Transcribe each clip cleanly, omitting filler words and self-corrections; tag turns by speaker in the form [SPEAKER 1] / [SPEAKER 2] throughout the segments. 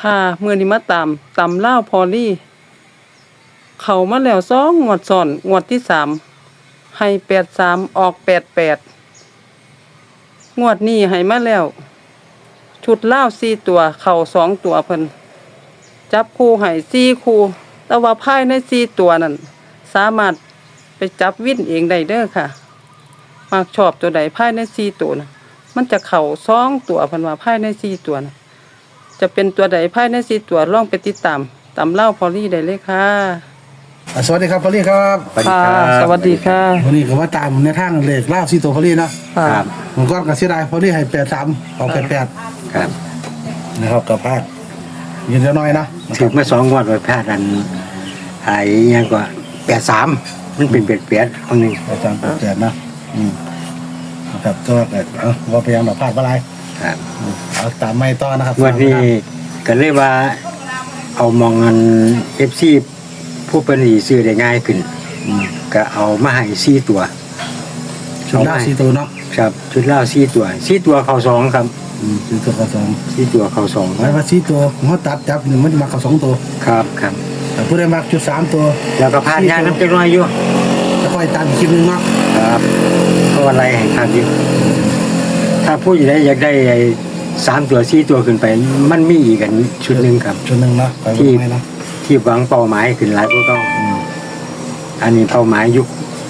[SPEAKER 1] ค่ะมื้อนี้มาตามลาวพอลี่เข้ามาแล้ว2งวดซ้อนงวดที่3ให้83ออก88งวดนี้ให้มาแล้วชุดลาว4ตัวเข้า2ตัวเพิ่นจับคู่ให้4คู่แต่ว่าภายใน4ตัวนั้นสามารถไปจับวินเองได้เด้อค่ะมักชอบตัวใดภายใน4ตัวน่ะมันจะเข้า2ตัวเพิ่นว่าภายใน4ตัวน่ะจะเป็นตัวใดภายใน4ตัวลองไปติดตามเล่าพอลี่ได้เลยค่ะ
[SPEAKER 2] สวัสดีครับพอลลี่ครับ
[SPEAKER 1] ค่ะสวัสดีค่ะ
[SPEAKER 2] วันนี้ก็ว่าตามในทางเลขเล่าซีโตพอลลี่เนาะ
[SPEAKER 1] ค่ะ
[SPEAKER 2] มันก็กระเสียดายพอลลี่ให้83ออก88
[SPEAKER 3] ครับ
[SPEAKER 2] นะครับกับพลาดยืนเดียวน้อยนะ
[SPEAKER 3] ถึงเมื่อ2 งวดไปพลาดอันหายยังกว่า83มันเป็นเปลี่ยนคนนึง
[SPEAKER 2] 83 88นะนะครับก็ว่าพยายามแบบพลาดอะไร
[SPEAKER 3] ครับ
[SPEAKER 2] เอาตามไม่ต่อนะครับ
[SPEAKER 3] งวดนี้ก็เลยว่าเอามองเงิน FC ผู้เป็นอีซื้อได้ง่ายขึ้นก็เอามาให้4ตัว
[SPEAKER 2] ชุดเล่าซีโตเนาะ
[SPEAKER 3] ครับชุดเหล้า4ตัวเข้า2ครับ
[SPEAKER 2] ซีโตเข้า2
[SPEAKER 3] 4ตัวเข้า2
[SPEAKER 2] หมายว่าซีโตเขาตัดจับหนึ่งมันจะมาเข้า2ตัว
[SPEAKER 3] ครับครับ
[SPEAKER 2] แต่ผู้ใดมาจุด3ตัว
[SPEAKER 3] แล้วก็พลาดยากน้ำจักหน่อยอยู่
[SPEAKER 2] แล้วค่อยตามอีกคลิปนึงเนาะ
[SPEAKER 3] ครับเพราะอะไรให้ครับอยู่ถ้าผู้ใหญ่อยากได้ไอ้3ตัว4ตัวขึ้นไปมันมีอีกกันชุดหนึงครับ
[SPEAKER 2] ชุดนึงเนาะไป
[SPEAKER 3] ที่
[SPEAKER 2] ไม่เนาะ
[SPEAKER 3] ที่หวังเป้าหมายขึ้นหลายพวกเขาอันนี้เป้าหมายยุค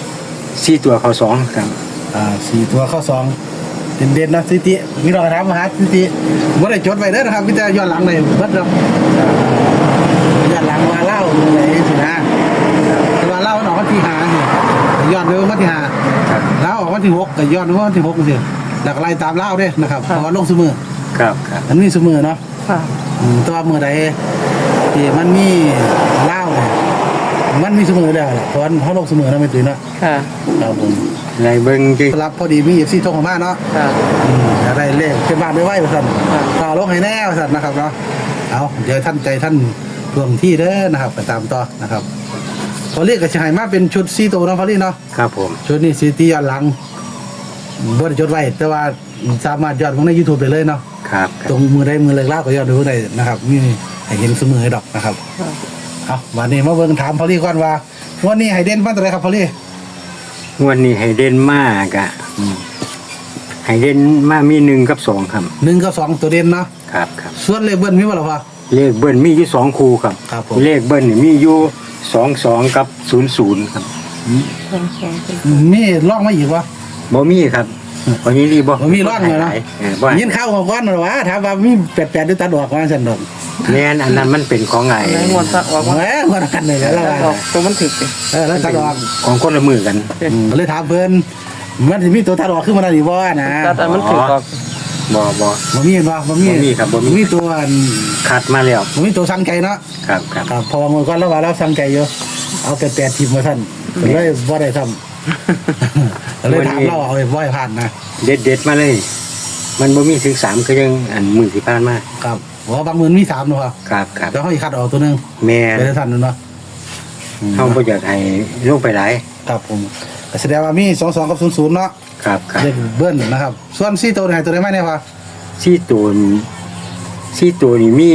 [SPEAKER 3] 4ตัวเข้า2ครับ
[SPEAKER 2] 4ตัวเข้า2เด่นๆนะสิติมีรอยถามมาหาสิติบ่ได้จดไว้เด้อนะครับมีแต่ย้อนหลังเลยเบิดเนาะย้อนหลังว่าเล่าไหนสินะแต่ว่าเล่ามันออกวันที่5นี่ย้อนไปวันที่5แล้วออกวันที่6ก็ย้อนไปวันที่6จังซี่แล้วก็ไล่ตามเล่าเด้นะครับเพราะว่าลงซุมื้อ
[SPEAKER 3] ครับครับ
[SPEAKER 2] อันนี้ซุมื้อเนาะ
[SPEAKER 1] ค่ะ
[SPEAKER 2] แต่ว่ามื้อใดที่มันมีเล่าเนี่ยมันมีซุมื้อแล้วแหละเพราะว่าเฮาลงซุมื้อนะไม่ตื่นเนาะ
[SPEAKER 1] ค่ะ
[SPEAKER 2] ครับผม
[SPEAKER 3] ในเบิ่งจริง
[SPEAKER 2] สำหรับพอดีมี FC โทรเข้ามาเนาะ
[SPEAKER 1] ค่ะ
[SPEAKER 2] อะไรเลขเป็นบ้านไม่ไหวว่าสั่น
[SPEAKER 1] ครับ
[SPEAKER 2] ต่อลงให้แน่ว่าสั่นนะครับเนาะเอาเดี๋ยวท่านใจท่านทวงที่เด้อนะครับไปตามต่อนะครับพอเรียกกับชายมาเป็นชุดซีโตเนาะพอเรียกเนาะ
[SPEAKER 3] ครับผม
[SPEAKER 2] ชุดนี้ซีตีย้อนหลังบ่ได้จดไว้แต่ว่าสามารถย้อนลงใน YouTube ได้เลยเนาะ
[SPEAKER 3] ครับค
[SPEAKER 2] ต
[SPEAKER 3] รั
[SPEAKER 2] ร
[SPEAKER 3] บ
[SPEAKER 2] งมือได้มือเลิกลากก็ย้อนดูได้นะครับมีให้เห็นเสมอให้ดอกนะครับเอาวันนี้มาเบิ่งถามพอเรียก่อนว่าวันนี้ให้เด่นฟันตัวไหนครับพอเรีย
[SPEAKER 3] งวันนี้ให้เด่นมากอ่ะให้เด่นมามี1กับ2ครับ
[SPEAKER 2] 1กับ2ตัวเด่นเนาะ
[SPEAKER 3] ครับครับ
[SPEAKER 2] ส่วนเลขเบิ้ลมีบ่ล่ะพ่อ
[SPEAKER 3] เลขเบิ้ลมีอยู่2คู่ครับ
[SPEAKER 2] ครับผม
[SPEAKER 3] เลขเบิ้ลนี่มีอยู่22กับ00ครับ
[SPEAKER 2] มีร่องมาอีกวะ
[SPEAKER 3] บ่มีครับวันนี้รีบ่
[SPEAKER 2] บ่มีร่องเลยเนาะ
[SPEAKER 3] บ่
[SPEAKER 2] ยินข้าวของก้อนหรอวะถามว่ามี88ด้วยตัดออกว่าซั่นดอก
[SPEAKER 3] แม่นอันนั้นมันเป็นของไง
[SPEAKER 1] ในงวดซะออกมา
[SPEAKER 2] แหมว่ากันเลยแล้ว
[SPEAKER 1] ออกตัวมันถึกสิ
[SPEAKER 2] แล้วตัดออก
[SPEAKER 3] ของคนละมือกัน
[SPEAKER 2] ก็เลยถามเพิ่นมันสิมีตัวตัดออกขึ้นมาได้บ่นะ
[SPEAKER 1] ตัดอันมันถึกออก
[SPEAKER 3] บ่
[SPEAKER 2] บ่มีเห็นบ่บ่มี
[SPEAKER 3] บ่มีครับบ่มี
[SPEAKER 2] มีตัวอัน
[SPEAKER 3] คัดมาแล้ว
[SPEAKER 2] บ่มีตัวสั่งไก่เนาะ
[SPEAKER 3] ครับครับ
[SPEAKER 2] ครับเพอมื้อก่อนเราว่าเราสั่งไก่อยู่เอา8ทีมมาท่านก็เลยบ่ได้ทำก็เลยถามเราเอาไว้บ่ให้ผ่านนะ
[SPEAKER 3] เด็ดมาเลย มันบ่มีถึง3คือยังอันมือที่ผ่านมา
[SPEAKER 2] ครับว่าบางมื้อมี3เนาะ
[SPEAKER 3] ครับครับ
[SPEAKER 2] แต่เฮาสิคัดออกตัวนึง
[SPEAKER 3] แม่
[SPEAKER 2] ไปได้ทันเนาะ
[SPEAKER 3] เฮาบ่อยากให้ลงไปหลาย
[SPEAKER 2] ครับผมก็แสดงว่ามี22กับ00เนาะ
[SPEAKER 3] ครับครับ
[SPEAKER 2] เลขเบิ้ลนะครับ ส่วน4ตัวไหนตัวไหนมาเนี่ยพ่อ
[SPEAKER 3] ซี่ตัวนี่มี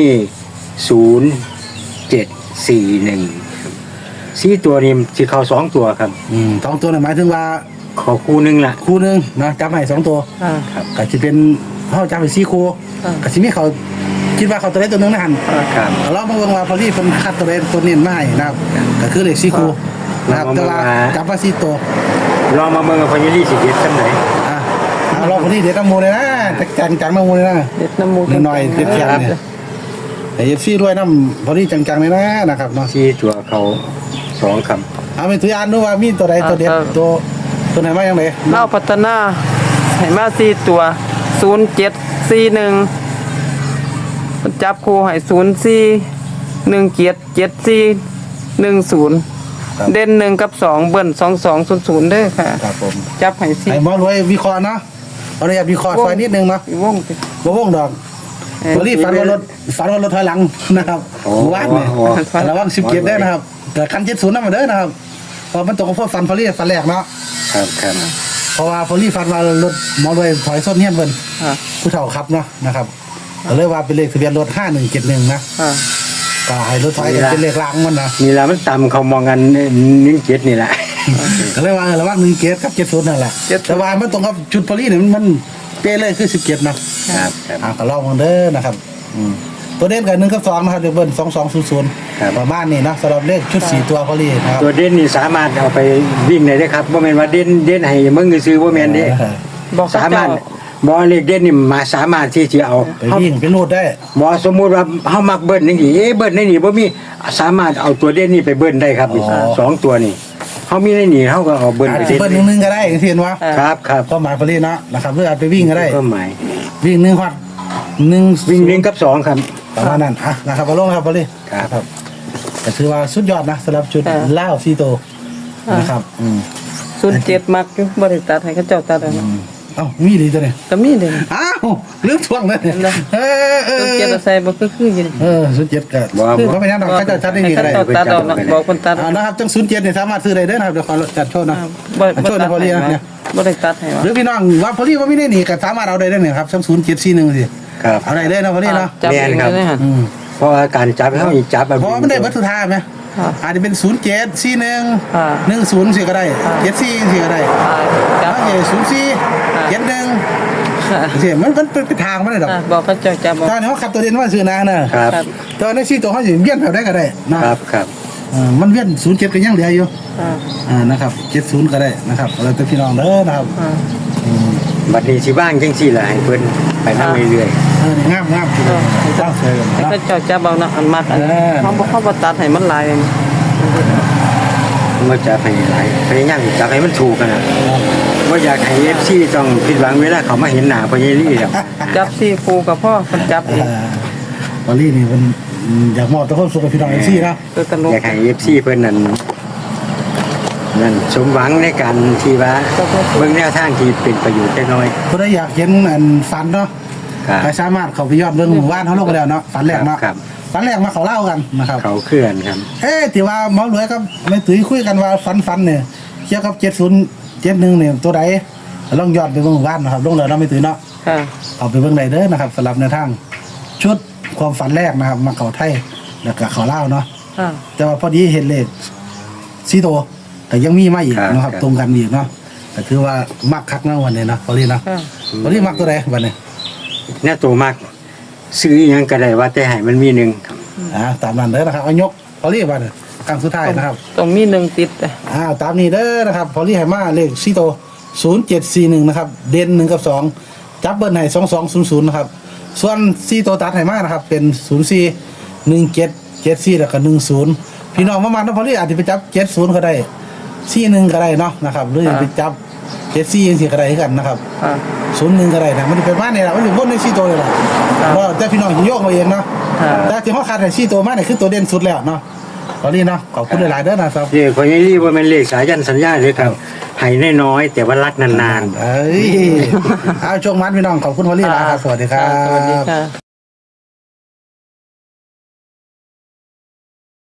[SPEAKER 3] 0741ซี่ตัวนี่สิเข้า2ตัวครับ
[SPEAKER 2] สองตัวหมายถึงว่า
[SPEAKER 3] เข้าคู่หนึงล่ะ
[SPEAKER 2] คู่หนึงนะจับให้2ตัว
[SPEAKER 1] ค่ะ
[SPEAKER 3] ครับ
[SPEAKER 2] ก็สิเป็นเฮาจับให้4คู่
[SPEAKER 1] อ่า
[SPEAKER 2] ก็สิมีเขาคิดว่าเขาตัวใดตัวหนึงนะหั่น
[SPEAKER 3] ครับ
[SPEAKER 2] เรามาเบิ่งว่าพอลี่เพิ่นคัดตัวใดตัวนี้มาให้นะครับก็คือเลข4คู่นะครับแต่ว่าจับมา4ตัว
[SPEAKER 3] ลองมาเบิ่งว่าพญาลีสิเด็ดจังได๋
[SPEAKER 2] อ่ะเอาเราพอลี่เด็ดน้ำมูเลยนะแต่จังๆน้ำมูเลยนะ
[SPEAKER 1] เด็ดน้ำมูก
[SPEAKER 2] นิดหน่อยเด็ดแค่เนี่ยไอ้ FC ด้วยน้ำพอลี่จังๆเลยนะนะครับเนาะ
[SPEAKER 3] ซี่ตัวเขา2ครับ
[SPEAKER 2] เอาเป็นตัวอย่างดูว่ามีตัวใดตัวเด็ดตัวไหนมาอย่างไร
[SPEAKER 1] เล่าพัฒนาให้มา4ตัว0741มันจับคู่ให้04177410เด่น1กับ2เบิ้ล2200เด้อค่ะ
[SPEAKER 2] ครับผม
[SPEAKER 1] จับให้
[SPEAKER 2] ไอ้หมอรวยวิเคราะห์เนาะเอาเลยวิเคราะห์ซอยนิดนึงเนาะ
[SPEAKER 1] 4วงสิ
[SPEAKER 2] บ่วงดอกตัวนี้ฝันว่ารถถอยหลังนะครับวาดเนี่ยระวัง17ได้นะครับแต่คัน70นำมาเด้อนะครับเพราะมันตกกับพวกฟันพอลี่ฟันแรกเนาะ
[SPEAKER 3] ครับครับ
[SPEAKER 2] เพราะว่าพอลี่ฟันว่ารถหมอรวยถอยส้นเฮียนเพิ่น
[SPEAKER 1] ค่ะ
[SPEAKER 2] ผู้เฒ่าขับเนาะนะครับก็เลยว่าเป็นเลขทะเบียนรถ5171นะ
[SPEAKER 1] ค่ะ
[SPEAKER 2] ก็ให้รถถอยก็เป็นเลขรางมันนะ
[SPEAKER 3] นี่ล่ะมันต่ำเขามองกัน17นี่แหละ
[SPEAKER 2] ก็เลยว่าระหว่าง17กับ70นั่นแหละแต่ว่ามันตรงกับชุดพอลี่เนี่ยมันเป๊ะเลยคือ17นะครับ ก็ลองกันเด้อนะครับตัวเด่นกับ1กับ2นะครับเดี๋ยวเบิ้ล2200ประมาณนี้นะสำหรับเลขชุด4ตัวพอลี่นะครับ
[SPEAKER 3] ตัวเด่นนี่สามารถเอาไปวิ่งได้เด้อครับบ่แม่นว่าเด่นให้มึงซื้อบ่แม่นเด้
[SPEAKER 1] บอกเขา
[SPEAKER 3] สามาร
[SPEAKER 1] เจ้า
[SPEAKER 3] ถบ่เลขเด่นนี่มาสามารถที่จะเอา
[SPEAKER 2] ไปวิ่งไปรูดได้
[SPEAKER 3] บ่สมมุติว่าเฮามักเบิ้ลจังซี่เบิ้ลในนี่บ่มีสามารถเอาตัวเด่นนี่ไปเบิ้ลได้ครับสองตัวนี่เฮามีในนี่เฮาก็เอาเบิ้ล
[SPEAKER 2] อาจ
[SPEAKER 3] ไป
[SPEAKER 2] จะ
[SPEAKER 3] เด่น
[SPEAKER 2] เบิ้ล1ก็ได้เห็นว่า
[SPEAKER 3] ครับครับ
[SPEAKER 2] ก็หมายพอลี่เนาะนะครับหรืออาจไปวิ่งก็ได้
[SPEAKER 3] ก็หมาย
[SPEAKER 2] วิ่ง1ฮอด1
[SPEAKER 3] วิ่ง1กับ2ครับ
[SPEAKER 2] ประมาณนั้นนะครับเอาลงครับพอลี่
[SPEAKER 3] ครับ
[SPEAKER 2] ก็ถือว่าสุดยอดนะสำหรับชุดล่าวซีโตนะครับ
[SPEAKER 1] 07มักอยู่บ่ได้ตัดให้เขาเจ้าตัดเอาเนาะ
[SPEAKER 2] เอ้ามีดีตัวเนี่ย
[SPEAKER 1] ก็มีเด้
[SPEAKER 2] อ้าวลืมทวงเลย
[SPEAKER 1] เห็นไหม 07ใส่บ่คืออยู่นี่
[SPEAKER 2] ศูนย์เจ็ดก็
[SPEAKER 3] บ่
[SPEAKER 2] ก็ไม่ยังดอกก็จะจัดได้ดีก็ได้
[SPEAKER 1] เขาเจ้าตัดเอาเนาะบอกคนตัดเอา
[SPEAKER 2] นะครับจัง07เนี่ยสามารถซื้อได้เด้อนะครับเดี๋ยวขอจัดโชว์นะ
[SPEAKER 1] บ่
[SPEAKER 2] โชว์ในพอลี่นะเนี่ย
[SPEAKER 1] บ่ได้ตัดให้ว่า
[SPEAKER 2] หรือพี่น้องว่าพอลี่ว่าไม่ได้หนีก็สามารถเอาได้เนี่ยครับจัง0741สิ
[SPEAKER 3] ครับ
[SPEAKER 2] เอาได้เลยนะพอลี่เนาะ
[SPEAKER 1] จับเองเลยฮะ
[SPEAKER 3] เพราะว่าการจับเฮาอีกจับแบบ
[SPEAKER 2] เพราะมันได้วัตถุธาตุไหม
[SPEAKER 1] ค่ะ
[SPEAKER 2] อาจจะเป็น0741
[SPEAKER 1] ค่ะ
[SPEAKER 2] 10สิก็ได้74สิก็ได้
[SPEAKER 1] จับ
[SPEAKER 2] แล้ว04 71
[SPEAKER 1] ค่ะ
[SPEAKER 2] สิมันเป็นทางมันเลยดอก
[SPEAKER 1] บอกเขาเจ้าจับบอก
[SPEAKER 2] ตอนนี้เขาขับตัวเด่นว่าซื้อนาเนอะ
[SPEAKER 3] ครับ
[SPEAKER 2] ตอนนี้ซีตัวเขาอยู่เวียนแบบได้ก็ได้นะครับ
[SPEAKER 3] ครับ
[SPEAKER 2] มันเวียน07ก็ยังเหลืออยู่
[SPEAKER 1] ค่ะ
[SPEAKER 2] นะครับ70ก็ได้นะครับเราจะพี่น้องเด้อนะครับ
[SPEAKER 1] ค่ะ
[SPEAKER 3] บัดนี้สิว่างจังซี่ล่ะให้เพิ่นไปนำเรื่อย
[SPEAKER 2] นี่งามงามที่ต้องเชิญ
[SPEAKER 1] ให้
[SPEAKER 2] นะ
[SPEAKER 1] เขาเจ้าจับเอาเนาะอันมักอันเขาบ่ตัดให้มันหลาย
[SPEAKER 3] ๆบ่จับให้หลายพยายามจับให้มันถูกกันนะบ่อยากให้ FC ต้องผิดหวังเวลาเขามาเห็นหน้าพ่อใหญ่ลี่แล้ว
[SPEAKER 1] จับ4คู่กับพ่อคนจับเอง
[SPEAKER 2] วอลลี่นี่มันอยากมอบตัวคนสุขกับพี่น้องเอฟซีนะ
[SPEAKER 1] ตัวตลก
[SPEAKER 3] อยากให้ FC เพิ่นนั่นสมหวังในการที่ว่าเบิ่งแนวทางที่เป็นประโยชน์จักหน่อย
[SPEAKER 2] คนได้อยากเห็นอันฝันเนาะ
[SPEAKER 3] ครับ
[SPEAKER 2] ใครสามารถเข้าไปยอดเรื่องหมู่บ้านเขาลงไปแล้วเนาะฝันแรกเนาะ
[SPEAKER 3] ครับ
[SPEAKER 2] ฝันแรกมาเขาเล่ากันนะครับ
[SPEAKER 3] เขาเคลื่อนครับ
[SPEAKER 2] ที่ว่าหมอรวยกับแม่ตุ้ยคุยกันว่าฝันเนี่ยเกี่ยวกับ7071เนี่ยตัวใดลองยอดไปเบิ่งหมู่บ้านนะครับลงเลยเนาะแม่ตุ้ยเนาะ
[SPEAKER 1] ค่ะ
[SPEAKER 2] เอาไปเบิ่งได้เด้อนะครับสำหรับในวทางชุดความฝันแรกนะครับมาเขาไทยแล้วก็เขาเล่าวเนาะ
[SPEAKER 1] ค่ะ
[SPEAKER 2] แต่ว่าพอดีเห็นเลขซีโตแต่ยังมีมาอีก
[SPEAKER 3] ครับ
[SPEAKER 2] นะครับ
[SPEAKER 3] ครับ
[SPEAKER 2] ตรงกันอีกเนาะแต่ถือว่ามักคักนะวันนี้นะพอดีนะ
[SPEAKER 1] ค่ะ
[SPEAKER 2] พอดีมักตัวใดวันนี้
[SPEAKER 3] แน่ตัวมากซื้ออิหยังก็ได้ว่าแต่ให้มันมีหนึงครับ
[SPEAKER 2] ตามนั้นเด้อนะครับเอายกพอดีวันนี้ครั้งสุดท้ายนะครับ
[SPEAKER 1] ต้องมีหนึ่งติด
[SPEAKER 2] ตามนี้เด้อนะครับพอดีให้มาเลขซีโต0741นะครับเด่น1กับ2จับเบิ้ลให้2200นะครับส่วนซีโตตัดให้มานะครับเป็น041774แล้วก็10พี่น้องมามันนะพอดีอาจจะไปจับ70ก็ได้41ก็ได้เนาะนะครับหรือจะไปจับ74จังซี่ก็ได้คือกันนะครับ
[SPEAKER 1] ค่ะ
[SPEAKER 2] 01ก็ได้นะมันจะเป็นมาเนี่ยแหละมันจะวนใน4ตัวเลยล่ะก็แต่พี่น้องสิโยกมาเองเนาะ
[SPEAKER 1] ครับ
[SPEAKER 2] แต่ที่เฮาขาดให้4ตัวมาเนี่ยคือตัวเด่นสุดแล้วเนาะพอดีเนาะขอบคุณหลายๆเด้อนะครับ
[SPEAKER 3] เรียกพ่อใหญ่ลี่ว่ามันเลขสายันสัญญาเลยครับให้น้อยๆแต่ว่ารักนานๆ
[SPEAKER 2] เอ้ยเอาช่วงมันพี่น้องขอบคุณพอลี่นะครับสวัสดีครับ
[SPEAKER 1] สวัสดีค่ะ